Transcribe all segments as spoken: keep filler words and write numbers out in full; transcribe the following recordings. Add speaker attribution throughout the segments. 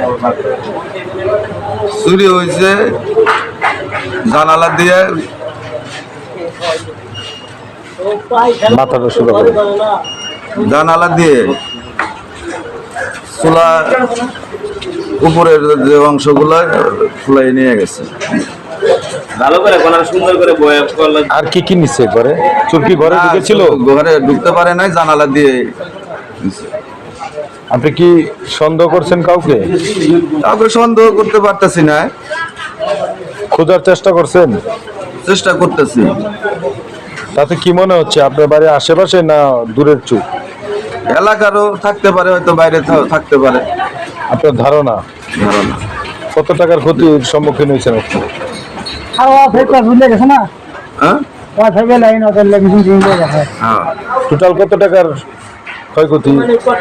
Speaker 1: চুরি হয়েছে জানালা দিয়ে
Speaker 2: মাথাটা সোজা করে
Speaker 1: জানালা দিয়ে চুলা উপরের যে অংশগুলো ফুলাই নিয়ে গেছে।
Speaker 3: ভালো করে সুন্দর করে বয়া করলে।
Speaker 2: আর কি কি নিচ্ছে ঘরে? চোর কি ঘরে ঢুকেছিল?
Speaker 1: ঘরে ঢুকতে পারে নাই, জানালা দিয়ে।
Speaker 2: আপনি কি সন্দেহ করছেন কাউকে?
Speaker 1: কাউকে সন্দেহ করতে পারতেছি না।
Speaker 2: খোঁজার চেষ্টা করছেন?
Speaker 1: চেষ্টা করতেছি।
Speaker 2: তাতে কি মনে হচ্ছে আপনার বাড়ির আশেপাশে না দূরের চুপ?
Speaker 1: এলাকারও থাকতে পারে, হয়তো বাইরে থাকতে পারে।
Speaker 2: আপনার ধারণা
Speaker 1: ধারণা
Speaker 2: কত টাকার ক্ষতির সম্মুখীন হয়েছেন আপনি?
Speaker 1: হ্যাঁ
Speaker 2: টোটাল কত টাকার ক্ষয়ক্ষতি?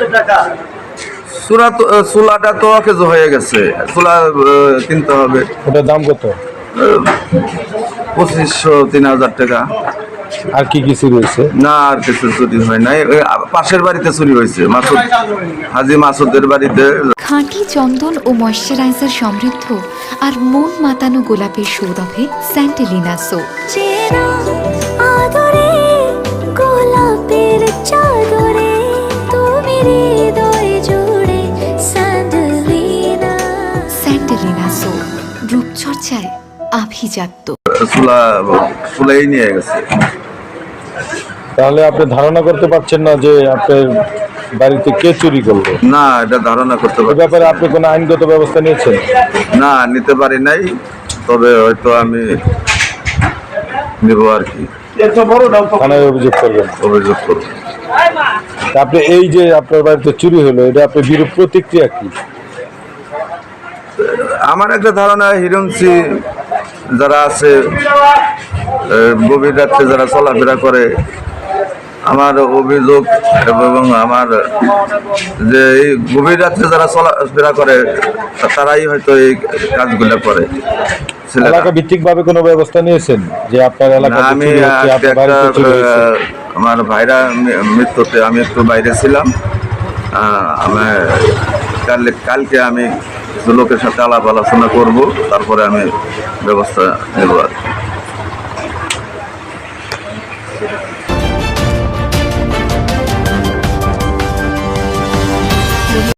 Speaker 1: চুলা তো চুলাটা তো অকেজো হয়ে গেছে, চুলা কিনতে হবে।
Speaker 2: ওটার দাম কত?
Speaker 1: পঁচিশশো তিন হাজার টাকা।
Speaker 2: আর কি কি চুরি হয়েছে?
Speaker 1: না, আর কিছু চুরি হয় নাই। ওই পাশের বাড়িতে চুরি হয়েছে, মাসুদ হাজি মাসুদের বাড়িতে।
Speaker 4: খাঁটি চন্দন ও ময়শ্চারাইজার সমৃদ্ধ আর মন মাতানো গোলাপের সৌরভে স্যান্টেলিনা সো। গোলাপের চাদরে তুমি হৃদয় জুড়ে স্যান্টেলিনা। স্যান্টেলিনা সো, রূপচর্চায় আভিজাত্য।
Speaker 1: চুলা ফুলাই নিয়ে গেছে।
Speaker 2: তাহলে আপনি ধারণা করতে পারছেন না যে আপনার বাড়িতে কে চুরি করলো?
Speaker 1: না, এটা ধারণা করতে
Speaker 2: এই
Speaker 1: পারি।
Speaker 2: ব্যাপারে আপনি কোনো আইনগত ব্যবস্থা নিয়েছেন?
Speaker 1: না, নিতে পারি নাই, তবে হয়তো আমি নেব আর কি।
Speaker 2: থানায় অভিযোগ করবেন?
Speaker 1: অভিযোগ করব।
Speaker 2: আপনি এই যে আপনার বাড়িতে চুরি হলো, এটা আপনার বিরূপ প্রতিক্রিয়া কি?
Speaker 1: আমার একটা ধারণা, হিরণসি যারা আছে গভীর রাত্রে যারা চলাফেরা করে, আমার অভিযোগ এবং আমার যে এই গভীর রাত্রে যারা চলাফেরা করে তারাই হয়তো এই কাজগুলো করে।
Speaker 2: এলাকা ভিত্তিক ভাবে কোনো ব্যবস্থা নিয়েছেন যে আপনার এলাকায়
Speaker 1: আমি
Speaker 2: চুরি হচ্ছে, আপনার বাড়িতে চুরি হয়েছে?
Speaker 1: আমার ভাইরা মৃত্যুতে আমি একটু বাইরে ছিলাম। আমার কালকে আমি কিছু লোকের সাথে আলাপ আলোচনা করবো, তারপরে আমি ব্যবস্থা নেব আর কি।